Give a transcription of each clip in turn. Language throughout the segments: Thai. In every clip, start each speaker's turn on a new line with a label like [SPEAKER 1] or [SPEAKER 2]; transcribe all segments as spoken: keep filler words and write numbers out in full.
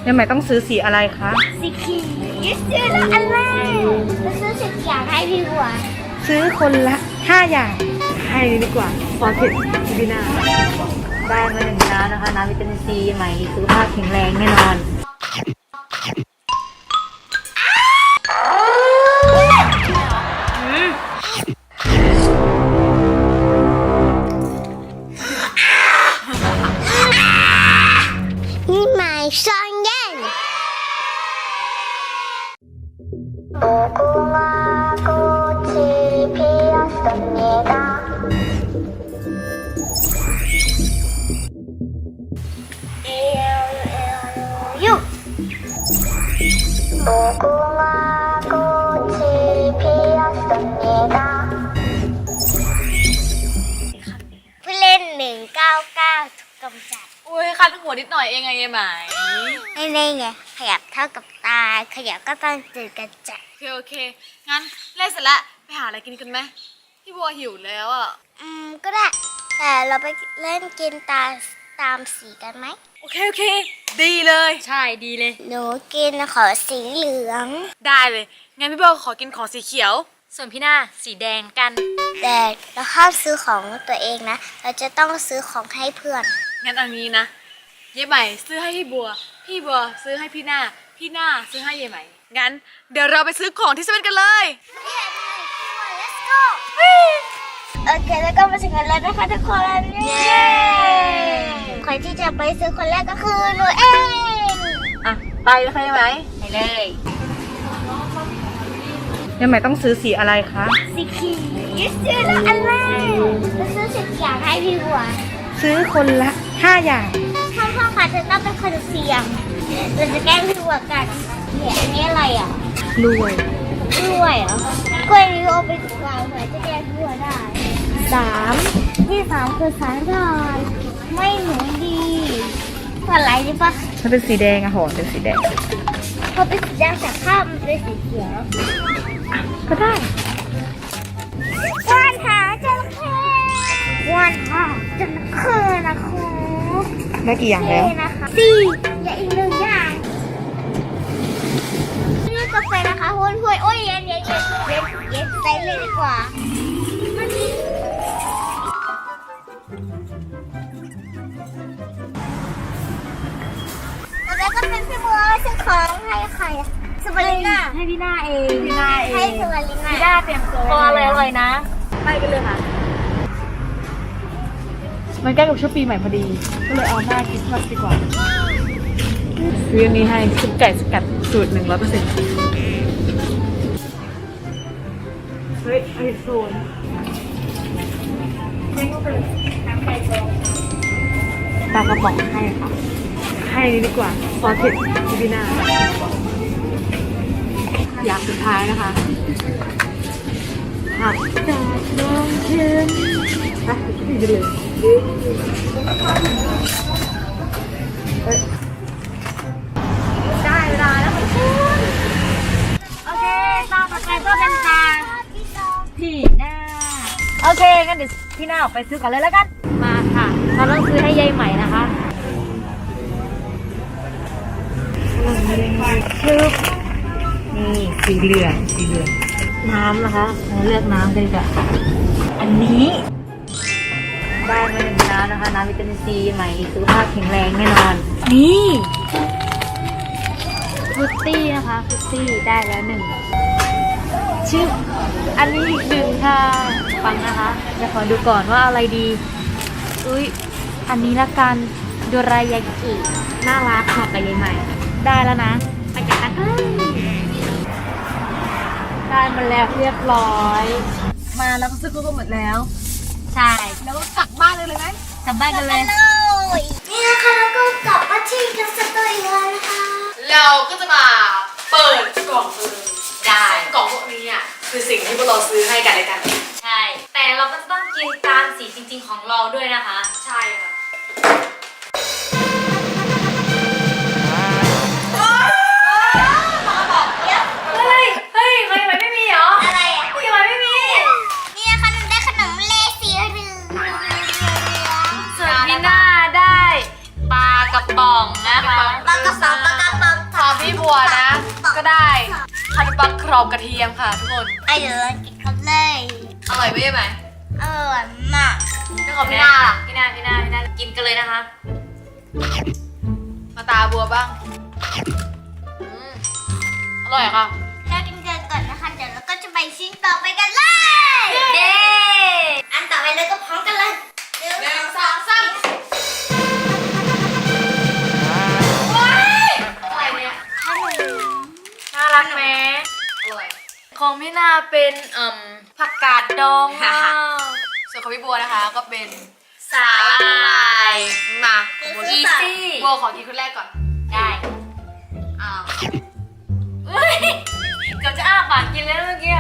[SPEAKER 1] ยังไม่ต้องซื้อสีอะไรคะ
[SPEAKER 2] สีเขียวซื้อละอะไรจะซื้อสีเขียวให้พี่บัว
[SPEAKER 1] ซื้อคนละห้าอย่างให้ดีกว่าฟอร์เทสบีนา
[SPEAKER 3] ได้มาหนึ่งน้ำนะคะน้ำวิตามินซีใหม่สุขภาพแข็งแรงแน่นอน
[SPEAKER 2] นี่หมายซองเย็น僕は꽃이 피었습니다僕は꽃이 피었습니다ผู้เล่นหนึ่งเก้าเก้าถูกกำจัด
[SPEAKER 4] อุ้ยคันหัวนิดหน่อยเองไงยายไหม
[SPEAKER 2] ไม่ได้ไงขยับเท่ากับตาขยับก็ต้องจืดกระจัด
[SPEAKER 4] โอเคโอเคงั้นเล่นเสร็จแล้วไปหาอะไรกินกันไหมพี่บัวหิวแล้วอ่ะ
[SPEAKER 2] อืมก็ได้แต่เราไปเล่นกินตาตามสีกันไหม
[SPEAKER 4] โอเคโอเคดีเลยใช่ดีเลย
[SPEAKER 2] หนูกินขอสีเหลือง
[SPEAKER 4] ได้เลยงั้นพี่บัวขอกินของสีเขียวส่วนพี่หน้าสีแดงกัน
[SPEAKER 2] แต่เราห้ามซื้อของตัวเองนะเราจะต้องซื้อของให้เพื่อน
[SPEAKER 4] งั้นอันนี้นะยายใหม่ซื้อให้พี่บัวพี่บัวซื้อให้พี่หน้าพี่หน้าซื้อให้ยายใหม่งั้นเดี๋ยวเราไปซื้อของที่เซเว่นกันเลย
[SPEAKER 2] โอเคแล้วก็มาถึงกันแล้วนะคะทุกคนเย้คนที่จะไปซื้อคนแรกก็คือหนูเอง
[SPEAKER 4] อ่ะไปเลยค่ะยายไหมไปเลย
[SPEAKER 1] ยังไม่ต้องซื้อสีอะไรคะ
[SPEAKER 2] สีเขียวซื้อละอะไรจะซื้อสีเขียวให้พี่บัว
[SPEAKER 1] ซื้อคนละห้าอย่าง
[SPEAKER 2] พ่อพ่อค่ะจะต้องเป็นคนเสี่ยงเราจะแกล้งพี่บัวกันเนี่ยอันนี้อะไรอ่ะ
[SPEAKER 1] รวย
[SPEAKER 2] รวยเหรอกล้วยนี้เอาไปถูกวางเผื่อจะแกล้งพี่บัวได้สามที่สามคือสายลายไม่เหมือนดีอะไรดีปะ
[SPEAKER 1] มันเป็นสีแดงอะหอมเป็นสีแดง
[SPEAKER 2] พอเป็นสีแดงแต่ข้ามมันเป็นสีเขียว
[SPEAKER 1] ก็ได้
[SPEAKER 2] ว่านหาจระเข้ว่านหาจระเข้นะคะ
[SPEAKER 1] ได้กี่อย่างแล้ว
[SPEAKER 2] สี่อย่าอีกหนึ่งอย่างนี่กาแฟนะคะห้วยห้วยโอ้ยเย็นเย็นเย็นเย็นเย็นใส่เลยดีกว่าแล้วก็เป็นพี่บัวซื้อของให้ใครสวาลิน่า
[SPEAKER 4] ให้พี่หน้าเองพี่หน้าเอง
[SPEAKER 2] ให้สวาลิน่า
[SPEAKER 4] พี่หน้าเตรียมตัว
[SPEAKER 3] พออะไรอร่อยนะ
[SPEAKER 4] ไปกันเลยค่ะ
[SPEAKER 1] มันใกล้กับช่วงปีใหม่พอดีก็เลยเอาหน้าคริสต์มาสดีกว่าซื้ออันนี้ให้ซุปไก่สกัดสูตรหนึ่งร้อยเปอร์เซ็นต์เฮ้ยไอโซนปลากระป๋องให้ค่ะให้ดีกว่าฟอร์เทสบีนาอย่างสุดท้ายนะคะผักกาดน้องเค็มไปไปเลย
[SPEAKER 4] ได้เวลาแล้วคุณโอเคตาต่อไปก็เป็นตาพี่หน้าโอเคงั้นเดี๋ยวพี่หน้าออกไปซื้อก่อนเลยแล้วกันมาค่ะเราต้องซื้อให้ยายใหม่นะคะ
[SPEAKER 1] คือนี่สีเหลืองสีเหลือง
[SPEAKER 3] น้ำนะคะเราเลือกน้ำกันดีกว่าอันนี้ได้มาหนึ่งน้ำนะคะน้ำวิตามินซีใหม่สุขภาพแข็งแรงแน่นอนนี่ฟรุตตี้นะคะฟรุตตี้ได้แล้วหนึ่งชื่ออันนี้อีกหนึ่งค่ะฟังนะคะจะขอดูก่อนว่าอะไรดีอุ้ยอันนี้ละกันโดรายากิน่ารักค่ะกับยายใหม่ได้แล้วนะไปกันกันได้มาแล้วเรียบร้อย
[SPEAKER 4] มาแล้วก็ซื้อครบหมดแล้ว
[SPEAKER 3] ใช่
[SPEAKER 4] แล้วก็กลับบ้านเลยเลยไหม
[SPEAKER 3] กลับบ้านกันเลย
[SPEAKER 2] นี่นะคะแล้วก็กลับมาที่กันสักตัวอีกแล้วนะคะ
[SPEAKER 4] เราก็จะมาเปิดกล่องเลยได้กล่องพวกนี้อ่ะคือสิ่งที่พวกเราซื้อให้กันเลยกัน
[SPEAKER 3] ใช่แต่เราก็จะต้องกินตามสีจริงๆของเราด้วยนะคะ
[SPEAKER 4] ใช่ค่ะ
[SPEAKER 3] เฮ้ยเฮ้ยไม่ไม่ไม่มีเหรอ
[SPEAKER 2] อะไรอ่ะ
[SPEAKER 3] ไม่ไม่ไม่มี
[SPEAKER 2] นี่นะคะหนูได้ขนมเลสีเหลือง
[SPEAKER 3] ส่วนพี่หน้าได้ปลากระป๋องนะคะ
[SPEAKER 2] ปลากระป๋
[SPEAKER 1] ได้ขนมปังกรอบกระเทียมค่ะทุกคน
[SPEAKER 2] ไอ้เดี๋ยวเรากินกันเลย
[SPEAKER 1] อร่อยไหมไหม
[SPEAKER 2] อร่อยมาก
[SPEAKER 1] แล้วของพี่นาล่ะ
[SPEAKER 3] พี่นาพี่นาพี่นากินกันเลยนะคะ
[SPEAKER 1] มาตาบัวบ้างอืมอร่อยค่ะ
[SPEAKER 2] เรากินกันก่อนนะคะเดี๋ยวเราก็จะไปชิ้นต่อไปกันเลย
[SPEAKER 3] เย้
[SPEAKER 2] อันต่อไปเลยก็พร้อมกันเลยหนึ่ง
[SPEAKER 1] หนึ่ง
[SPEAKER 2] ส
[SPEAKER 1] ส
[SPEAKER 2] อ
[SPEAKER 1] อง ง
[SPEAKER 2] สา
[SPEAKER 1] สาม มว้ายอะไรเนี่ย
[SPEAKER 2] ขนม
[SPEAKER 3] น่ารักไหม
[SPEAKER 1] อร่อย
[SPEAKER 3] ของพี่นาเป็นเอ่มผักกาดดองค่ะ
[SPEAKER 1] ส่วนของพี่บัวนะคะก็เป็น
[SPEAKER 3] สาหร่าย
[SPEAKER 1] มาบัว
[SPEAKER 3] อีซี่
[SPEAKER 1] บัวขอกินคนแรกก่อน
[SPEAKER 3] ได้
[SPEAKER 1] อ้าว
[SPEAKER 3] เฮ้ยเกือบจะอ้าปากกินแล้วเมื่อกี้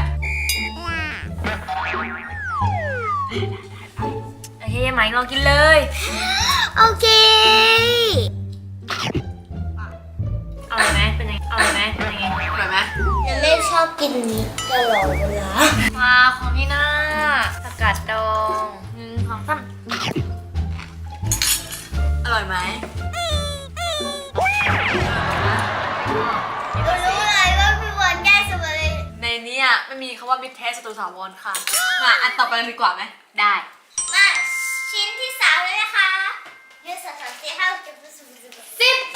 [SPEAKER 3] โอเคไหมลองกินเลย
[SPEAKER 2] โอเค
[SPEAKER 3] อร่อยไหมเป็นยังไงอร่อยไหมเป็นยังไง
[SPEAKER 1] อร่อยไหม
[SPEAKER 2] ยังไม่ชอบกินนี้ตลอดเวลา
[SPEAKER 3] มาของพี่นาผักกาดดองหนึ่งสองสาม
[SPEAKER 1] อร่อยไหม
[SPEAKER 2] รู้เลยว่าพี่บอลแก้สมเลย
[SPEAKER 1] ในนี้อ่ะไม่มีคำว่ามิตรแท้ศัตรูถาวรค่ะมาอันต่อไปเลยดีกว่าไหม
[SPEAKER 3] ได้
[SPEAKER 2] มาชิ้นที่สามเลยนะคะหนึ่งสองสามสี่ห้าหกเจ็ดแปดเก้าสิบสิบ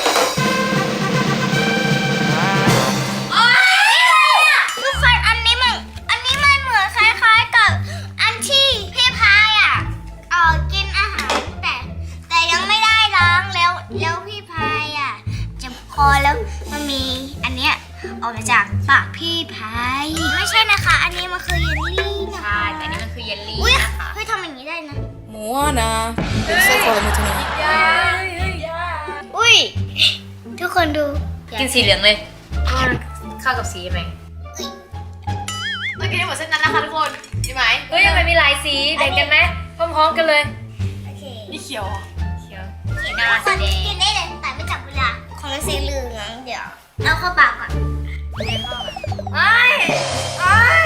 [SPEAKER 2] โอ๊ยทุกคนอันนี้มันอันนี้มันเหมือนคล้ายๆกับอันที่พี่พายอ่ะเออกินอาหารแต่แต่ยังไม่ได้ล้างแล้วแล้วพี่พายอ่ะเจ็บคอแล้วมันมีอันเนี้ยออกมาจากปากพี่พายไม่ใช่นะคะ อันนี้มันคือเยลลี่นะ
[SPEAKER 3] ใช่แต่อันนี้มันคือเยลลี่
[SPEAKER 2] อุ้ย
[SPEAKER 3] นะคะ
[SPEAKER 2] เฮ้ยทำอย่างนี้ได้นะ
[SPEAKER 1] Moana Pensa qual é muito não
[SPEAKER 2] อุ้ย ทุกคนดู
[SPEAKER 3] กินสีเหลืองเลยเพราะมันเข้ากับสีไหม
[SPEAKER 1] ต้องกินให้หมดเส้นนั้นนะคะทุกคนดีไหม
[SPEAKER 3] เฮ้ยทำไมมีหลายสีแบ่งกันไหมพร้อมๆกันเลย
[SPEAKER 2] โอเค
[SPEAKER 1] นี่เขียวเหรอ
[SPEAKER 3] เขียว
[SPEAKER 2] กินได้คนกินได้เลยแต่ไม่จับเวลาของมันสีเหลืองเดี๋ยวเอาเข้าปากก่อนเดี๋ยวเข้าก่อน
[SPEAKER 3] ไอ้ไอ้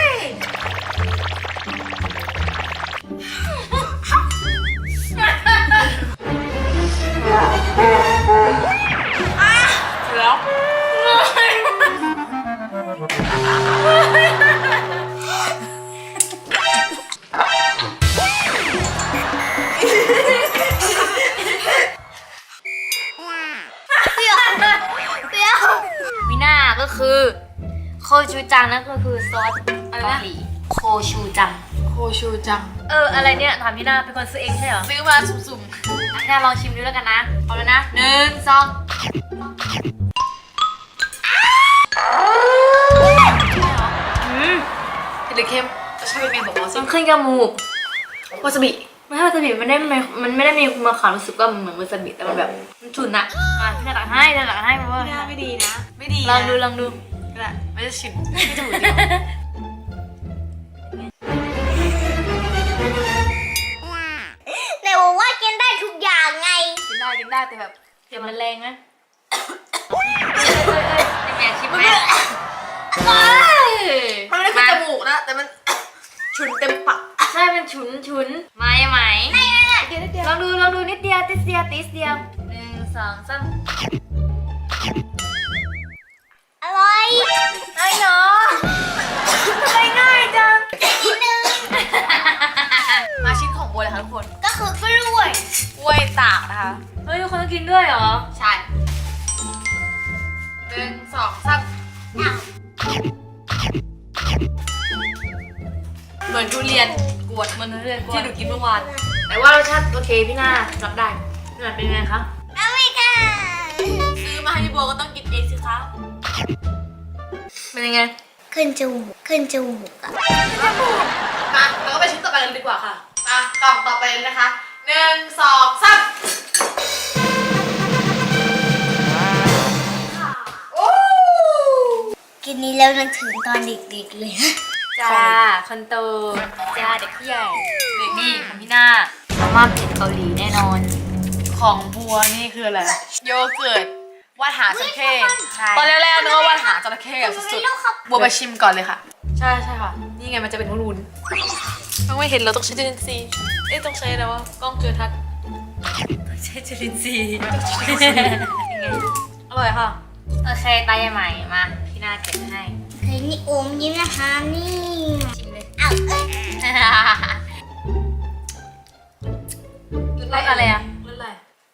[SPEAKER 1] แล้ว
[SPEAKER 2] เปรี้ยวเปรี้ยว
[SPEAKER 3] วิน่าก็คือโคชูจังนั่นก็คือซอสเกาหลีโคชูจัง
[SPEAKER 1] โคชูจัง
[SPEAKER 3] เอออะไรเนี่ยถามพี่นาเป็นคนซื้อเองใช่เหรอ
[SPEAKER 1] ซื้อมาสุ่ม
[SPEAKER 3] อ่ะพี่นาลองชิมดูแล้วกันนะเอาแล้วนะหนึ่งสองอืม
[SPEAKER 1] ๆเผ็ดหรือเค็มจะใช่เป็นเมนบอกเราสิ
[SPEAKER 3] มันขึ้นจมูก
[SPEAKER 1] วาซาบิ
[SPEAKER 3] ไม่ใช่วาซาบิมันได้ไม่มันไม่ได้มีคุณมาขาวรู้สึกว่ามันเหมือนวาซาบิแต่มันแบบมันฉุนอะอ่ะพี่นาตักให้พี่นาตักให้เพราะว่า
[SPEAKER 1] ไม่ดีนะ ไม่ดี
[SPEAKER 3] ลองดูลองดู
[SPEAKER 1] ก็ได้ไม่จะชิมไม่จะหมูเดียว
[SPEAKER 2] ไหนบอกว่ากินได้ทุกอย่างไง
[SPEAKER 1] กินได้กินได้แต่แบบ
[SPEAKER 3] เสียงมันแรงไหมเอ้ยเอ้ยเอ้ยยังไงชิมไหมเอ้ย
[SPEAKER 1] มันไม่ได้ขึ้นจมูกนะแต่มันฉุนเต็มปาก
[SPEAKER 3] ใช่มันฉุนฉุนไม่ไหมลองดูลองดูนิดเดียวติดเดียวติดเดียวหนึ่งสองสาม
[SPEAKER 2] อร่อย
[SPEAKER 3] ไอ้เนาะทำไมง่ายจัง
[SPEAKER 2] นิดนึง
[SPEAKER 1] มาชิ้นของบัวเลยค่ะทุกคน
[SPEAKER 2] ก็คือกล้วย
[SPEAKER 1] กล้วยตากนะคะ
[SPEAKER 3] เฮ้ยทุกคนต้องกินด้วยเหรอ
[SPEAKER 1] ใช่หนึ่งสองสาม
[SPEAKER 2] อ้าว
[SPEAKER 1] เหมือนทุเรียนกวน
[SPEAKER 3] มันเรื่อยๆ
[SPEAKER 1] ที่หนูกินเมื่อวาน
[SPEAKER 3] แต่ว่ารสชาติโอเคพี่นารับได้พี่นาเป็นไงคะ
[SPEAKER 2] อเมริกา
[SPEAKER 1] ซื้อมาให้พี่บัวก็ต้องกินเองสิคะ
[SPEAKER 3] เป็นยังไง
[SPEAKER 2] ขึ้นจมูกขึ้นจมูกอะ
[SPEAKER 1] มาเราก็ไปชิ้นต่อไปกันดีกว่าค่ะมากล่องต่อไปเลยนะคะหนึ่งสองสามโอ้
[SPEAKER 2] กินนี้แล้วนึกถึงตอนเด็กๆเลย
[SPEAKER 3] จ้าคนโตจ้าเด็กผู้ใหญ่เด็กนี่ของพี่นามาม่าเผ็ดเกาหลีแน่นอน
[SPEAKER 1] ของบัวนี่คืออะไรโยเกิร์ตวาดหางจระเข้
[SPEAKER 3] ใช่
[SPEAKER 1] ตอนแรกๆนึกว่าวาดหางจระเข้แบบสุดๆบัวไปชิมก่อนเลยค่ะ
[SPEAKER 3] ใช่ใช่ค่ะ
[SPEAKER 1] นี่ไงมันจะเป็นวุ้นๆต้องไม่เห็นเราต้องใช้จุลินทรีย์เอ๊ะต้องใช้อะไรวะกล้องจุลทรรศน์
[SPEAKER 3] ใช่จุลินทรีย์
[SPEAKER 1] อร่อยค่ะ
[SPEAKER 3] โอเคตายใหม่มาพี่น่าเก็บให้
[SPEAKER 2] เคยนี่โอมยิ้มนะคะนี่
[SPEAKER 3] ชิมเลย
[SPEAKER 2] อ้าวเอ้ย
[SPEAKER 3] รสอะไรอ่ะ
[SPEAKER 1] รสอะไร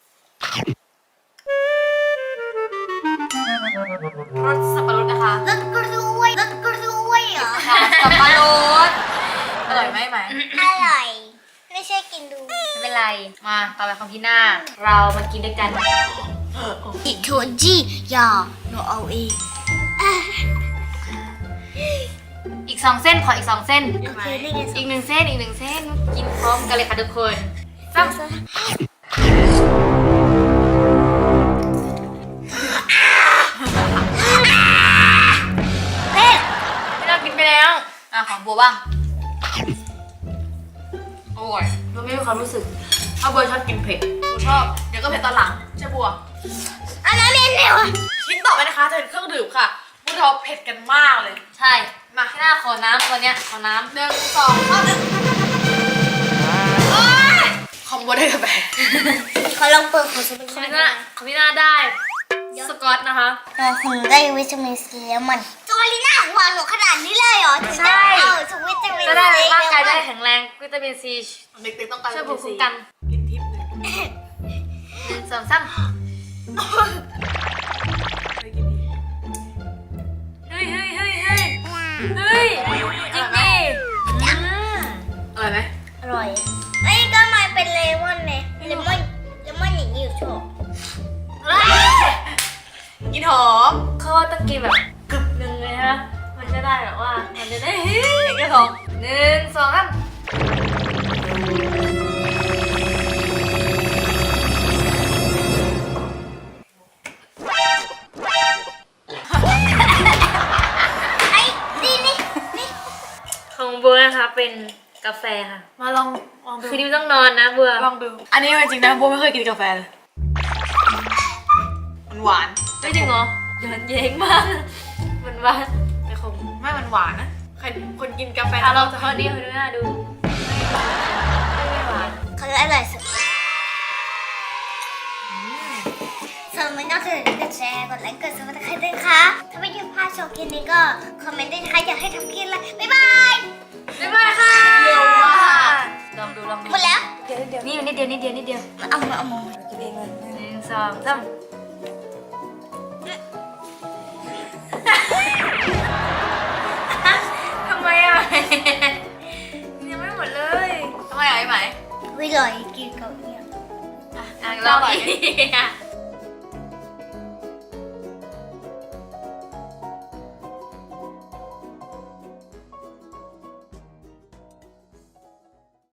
[SPEAKER 3] รสสับปะรดนะคะ
[SPEAKER 2] รถกล้วยรถกล้วยเหรอ
[SPEAKER 3] ค่ะสับปะรด
[SPEAKER 1] อร่อยไหมไหม
[SPEAKER 2] อร่อย ไม่ใช่กินดู
[SPEAKER 3] ไม่เป็นไร มาต่อไปของพี่หน้า เรามากินด้วยกัน
[SPEAKER 2] อิโทจิอย่าหนูเอาเอง
[SPEAKER 3] อีกสองเส้นขออีกสองเส้น
[SPEAKER 2] โอเคนี่ไง
[SPEAKER 3] อีกหนึ่งเส้นอีกหนึ่งเส้น กินพร้อมกันเลยค่ะทุกคนซ้ำ
[SPEAKER 2] เผ็ด
[SPEAKER 3] พี่หน้ากินไปแล้ว อ่ะของบัวบ้างอร่อยเราไม่มีความรู้สึกถ้าบัวชอบกินเผ็ด
[SPEAKER 1] บัวชอบ เดี๋ยวก็เผ็ดตอนหลังใช่บัว
[SPEAKER 2] อันนั้นเป็นเร็ว
[SPEAKER 1] ชิ้นต่อไปนะคะจะเป็นเครื่องดื่มค่ะพวกเราเผ็ดกันมากเลย
[SPEAKER 3] ใช่ มาพี่หน้าขอน้ำตัวเนี้ยขอน้ำ
[SPEAKER 1] หนึ่งสองสามของบัวได้กาแฟ
[SPEAKER 2] เขาลองเปิดของสมุน
[SPEAKER 3] ข
[SPEAKER 2] ไพ
[SPEAKER 3] อง
[SPEAKER 2] ร
[SPEAKER 3] พี่หน้าของพี่หน้าได้สกอตนะคะ
[SPEAKER 2] เราคงได้วิตามินซีแล้วมันจอลีน่าหัวหนูขนาดนี้เลยเหรอถึง
[SPEAKER 3] ใช่
[SPEAKER 2] ได้เอาถึงวิตามินซี
[SPEAKER 3] จะได้ร่างกายจะได้แข็งแรงวิตามินซี
[SPEAKER 1] เด็กๆต้องการ
[SPEAKER 3] ช่วยภูมิคุ้มกัน
[SPEAKER 1] กินทิพย์เลย
[SPEAKER 3] หนึ่งสองสาม
[SPEAKER 1] เคยกินดี
[SPEAKER 3] เฮ้ยเฮ้ยเฮ้ยเฮ้ยเฮ้ยจริงดิอืม
[SPEAKER 1] อร่อยไหม
[SPEAKER 2] อร่อยไอ้ยก็มาเป็นเลมอนเนี่ยเลมอนเลมอนอย่างนี้อยู่ชอบ
[SPEAKER 1] กินหอม
[SPEAKER 3] เขาว่าต้องกินแบบกึบหนึ่งเลยฮะมันจะได้แบบว่ามันจะได้เฮ้ยกระสองหนึ่งสองสาม
[SPEAKER 2] ไอ้นี่นี่นี่
[SPEAKER 3] ของบัวนะคะเป็นกาแฟค่ะ
[SPEAKER 1] มาลองลองดู
[SPEAKER 3] คืนนี้ไม่ต้องนอนนะบัว
[SPEAKER 1] ลองดู อันนี้จริงๆนะบัวไม่เคยกินกาแฟเลย มันหวาน
[SPEAKER 3] ไม่จริงเหรอย้อนเย้งมากมันว่าแต่คง
[SPEAKER 1] ไม่มันหวานนะ ใครคนกินกาแฟ
[SPEAKER 3] อ่ะลอง
[SPEAKER 1] จะ
[SPEAKER 3] ข้อนี้ให้ดูหน้าดูไม่หวาน
[SPEAKER 2] เขาอร่อยสุดส่วนมันก็คือกดแชร์กดไลค์กดซับสไครต์ด้วยค่ะถ้าไม่ชอบพลาดชมคลิปนี้ก็คอมเมนต์ด้วยนะคะอยากให้ทำคลิปอะไรบ๊ายบาย
[SPEAKER 3] บ๊ายบายค่ะเร็วมากลองดูลองดู
[SPEAKER 2] หมดแล้ว
[SPEAKER 3] นี่นิดเดียวนิดเดียวนิดเดียว
[SPEAKER 2] เอามาเอามา
[SPEAKER 1] กินเองเลย
[SPEAKER 3] หนึ่งสองสามทำไมอ่ะยังไม่หมดเลย
[SPEAKER 1] ทำไมอ่ะไอ้ไหม
[SPEAKER 2] วิลอยกินเกาหลี
[SPEAKER 3] อ่ะลองอีก